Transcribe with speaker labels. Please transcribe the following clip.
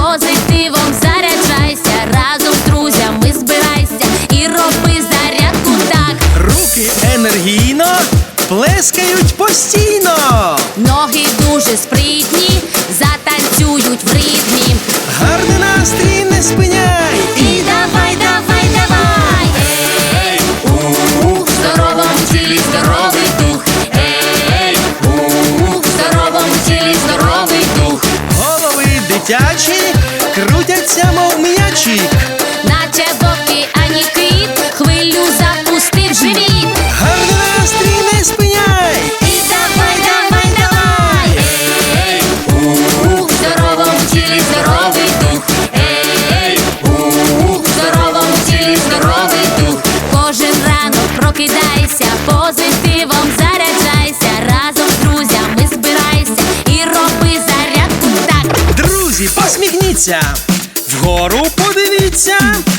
Speaker 1: позитивом заряджайся, разом з друзями збирайся і роби зарядку так.
Speaker 2: Руки енергійно плескають постійно.
Speaker 1: Ноги дуже спритні, затанцюють в ритмі.
Speaker 2: Гарний настрій не спиняй.
Speaker 1: І давай, давай, давай. Ей, в здоровому тілі здоровий дух. Ей, в здоровому тілі здоровий дух.
Speaker 2: Голови дитячі крутяться, мов м'ячі.
Speaker 1: Наче в океані кит, хвилю запустив живіт.
Speaker 2: Гарний настрій не спиняй.
Speaker 1: І давай, давай, давай. Ей, в здоровому тілі здоровий дух. Ей, в здоровому тілі здоровий дух. Кожен ранок прокидайся, позитивом заряджайся, разом з друзями збирайся і роби зарядку так.
Speaker 2: Друзі, посміхніться, вгору подивіться.